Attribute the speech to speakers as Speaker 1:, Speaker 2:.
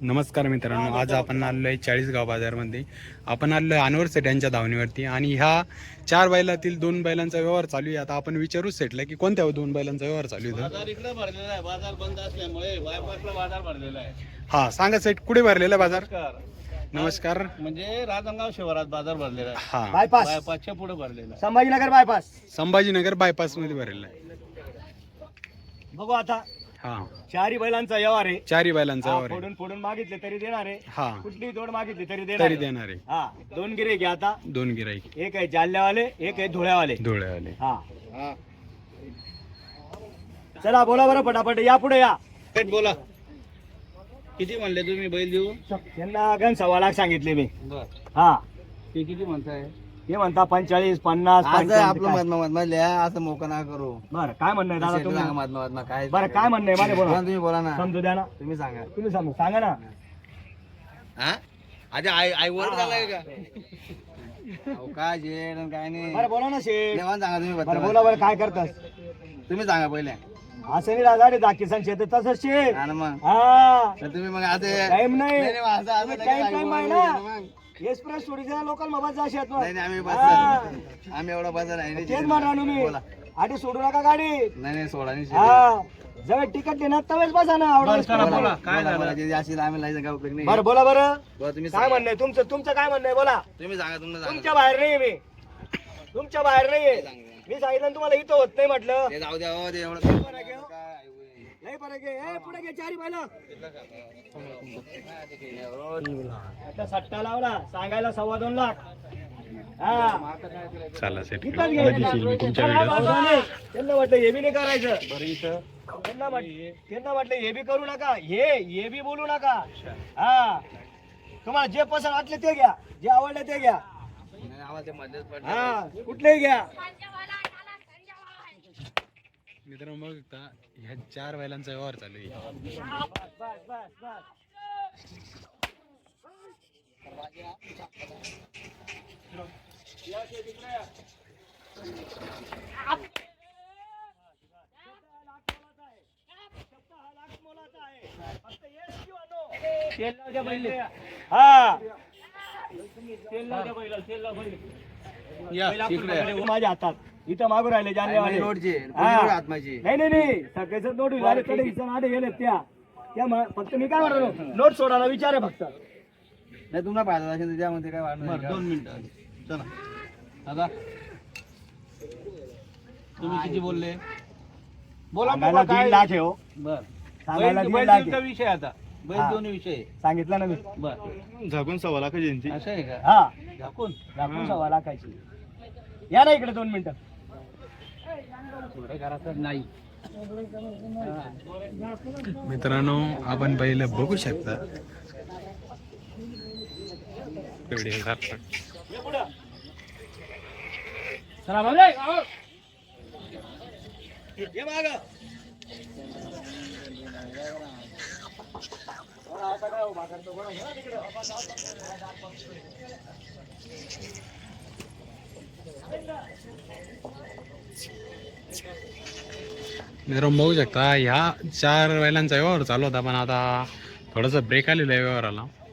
Speaker 1: नमस्कार मित्रांनो, आज आपण आलो आहे चाळीसगाव बाजारमध्ये. आपण आलो आहे अनवर सेठ यांच्या धावणीवरती आणि ह्या 4 बैलातील 2 बैलांचा व्यवहार चालू आहे. आता आपण विचारू सेठला की कोणत्या 2 बैलांचा व्यवहार चालू आहे.
Speaker 2: बाजार इकडे भरलेला आहे. बाजार बंद असल्यामुळे बायपासला बाजार भरलेला आहे.
Speaker 1: हा सांगा सेठ, कुठे भरलेला बाजार?
Speaker 2: नमस्कार.
Speaker 1: नमस्कार.
Speaker 2: म्हणजे राजनगाव शिवारात बाजार भरलेला आहे.
Speaker 1: हा,
Speaker 2: बायपासच्या पुढे भरलेला आहे.
Speaker 3: संभाजीनगर बायपास.
Speaker 1: संभाजीनगर बायपास मध्ये भरलेला आहे.
Speaker 3: बघू आता
Speaker 1: हा,
Speaker 3: चारी बैलांचा व्यवहार आहे.
Speaker 1: 4 बैलांचा
Speaker 3: हा,
Speaker 1: व्यवहार आहे.
Speaker 3: फोडून फोडून मागितले तरी देणार आहे.
Speaker 1: हा,
Speaker 3: कुठली जोड मागितली तरी
Speaker 1: तरी
Speaker 3: देणार
Speaker 1: देणार आहे.
Speaker 3: हा, 2 गिरे घ्या आता.
Speaker 1: 2 गिराईक,
Speaker 3: एक आहे जालन्यावाले, एक आहे धुळ्यावाले.
Speaker 1: धुळेवाले.
Speaker 3: हा, चला बोला बरं पटापट, या पुढे या.
Speaker 2: थेट बोला, किती म्हणले तुम्ही बैल देऊ?
Speaker 3: त्यांना गण 1.25 लाख सांगितले मी.
Speaker 2: बर,
Speaker 3: हा,
Speaker 2: ते किती म्हणताय?
Speaker 3: हे म्हणता 45, 50,
Speaker 4: आज
Speaker 3: 55.
Speaker 4: आपलं मधल्या असं मोकं ना करू.
Speaker 3: बरं काय म्हणणं आहे दादा तुम्ही?
Speaker 4: मधमा काय
Speaker 3: बरं काय म्हणणं आहे माझे
Speaker 4: बोला
Speaker 3: बोला.
Speaker 4: तुम्ही बोला ना,
Speaker 3: समजू द्या ना,
Speaker 4: तुम्ही सांगा.
Speaker 3: तुम्ही सांगा ना.
Speaker 4: हा आधी आई वर झालाय का? अहो, काय जेड आणि काय नाही.
Speaker 3: बरं बोला ना शेठ.
Speaker 4: देवान सांगा तुम्ही
Speaker 3: बरं
Speaker 4: बद्दल.
Speaker 3: बोला बरं काय करतास?
Speaker 4: तुम्ही सांगा पहिले.
Speaker 3: असं नाही दादा दाखिसान शेत तसंच शेठ.
Speaker 4: हा ना मग.
Speaker 3: हा,
Speaker 4: तर तुम्ही मग आता
Speaker 3: टाइम नाही.
Speaker 4: नाही, नाही, असं- असं लगेच
Speaker 3: टाइम
Speaker 4: आई
Speaker 3: टाइम
Speaker 4: वर
Speaker 3: आहे
Speaker 4: बोलू
Speaker 3: ना.
Speaker 4: मग.
Speaker 3: एक्सप्रेस सोडीचा लोकल मोबाईल जा शेत
Speaker 4: नाही नाही, आम्ही
Speaker 3: हा.
Speaker 4: बस आम्ही एवढा बसर आहे.
Speaker 3: तेच म्हणा तुम्ही.
Speaker 4: बोला.
Speaker 3: आधी सोडू नका गाडी.
Speaker 4: नाही नाही सोडा नाही.
Speaker 3: हा, जवळ तिकीट देणार तवेच बसा ना. आवडलं
Speaker 2: करा,
Speaker 3: बोला.
Speaker 2: बोला. काय झालं?
Speaker 4: बोला, जे असेल आम्ही लायचं काय उपयोग नाही.
Speaker 3: बरं बोला बरं
Speaker 4: बोला, तुम्ही
Speaker 3: काय
Speaker 4: सांगा.
Speaker 3: म्हणणं आहे तुमचं काय म्हणणं आहे बोला.
Speaker 4: तुम्ही सांगा तुमचं
Speaker 3: तुमच्या
Speaker 4: सांगा.
Speaker 3: बाहेर नाहीये मी, तुमच्या बाहेर नाहीये. मी सांगितलं ना तुम्हाला इथं होत नाही म्हटलं.
Speaker 4: ते जाऊ द्या हो, ते एवढं
Speaker 3: बरं घेऊ.
Speaker 4: काय
Speaker 3: लय फरक आहे. ए, पुढे घे चारी बैल. आता सट्टा लावला सांगायला 2.25 लाख. हा,
Speaker 1: चला सेठ,
Speaker 3: इथंच घे.
Speaker 1: बघितली मी तुमच्या
Speaker 3: चला,
Speaker 1: व्हिडिओ.
Speaker 3: बाजूने. त्यांना म्हटलं हे बी नाही करायचं. त्यांना म्हटलं हे बी करू नका, हे बी बोलू नका. हा, तुम्हाला जे पसंत वाटले ते घ्या, जे आवडले ते घ्या.
Speaker 4: नाही, आवाज ते मध्येच पडला.
Speaker 3: हा, कुठलेही घ्या.
Speaker 1: मित्रांनो बघता, ह्या 4 बैलांचा व्यवहार चालू आहे.
Speaker 3: बस बस बस बस. हा,
Speaker 2: या इकडे या.
Speaker 3: माझ्या हातात इथं मागू राहिले जानेवाले.
Speaker 4: रोडचे
Speaker 3: हा.
Speaker 4: आत्माची.
Speaker 3: नाही नाही नाही, सगळ्याच नोट झाले कडे हिचं आडे गेले त्या फक्त मी काय म्हणतो नोट सोडायला विचार आहे फक्त.
Speaker 4: नाही तुम्हाला फायदा असेल तर त्यामध्ये काय वाढणार
Speaker 2: बर,
Speaker 4: नाही का?
Speaker 2: 2 मिनिटं. चला दादा, तुम्ही किती बोलले? बोला
Speaker 3: सांगायला
Speaker 2: बाबा,
Speaker 3: 1.5 लाख आहे हो.
Speaker 2: बर,
Speaker 3: सांगायला
Speaker 2: बैल
Speaker 3: 1.5 लाख
Speaker 2: देऊचा
Speaker 3: आहे.
Speaker 2: विषय आता. बैल
Speaker 3: हा.
Speaker 2: दोन्ही विषय आहे.
Speaker 3: सांगितलं ना मी.
Speaker 2: बर,
Speaker 4: झाकून 1.25 लाख जयंती.
Speaker 2: असं आहे का?
Speaker 3: हा,
Speaker 2: झाकून
Speaker 3: दाखवून 1.25 लाखाची. या ना इकडे 2 मिनिटं.
Speaker 2: थोडं करायचं नाही.
Speaker 1: मित्रांनो आपण पहिलं बघू शकता व्हिडिओ झाला.
Speaker 3: ये पुढं.
Speaker 2: चला बाबा, आओ.
Speaker 3: ये मागं. आता काय उभा करतो बरं, घे ना तिकडं.
Speaker 1: मित्रांनो बघू शकता ह्या 4 बैलांचा व्यवहार चालू होता, पण आता थोडासा ब्रेक आलेला आहे व्यवहाराला.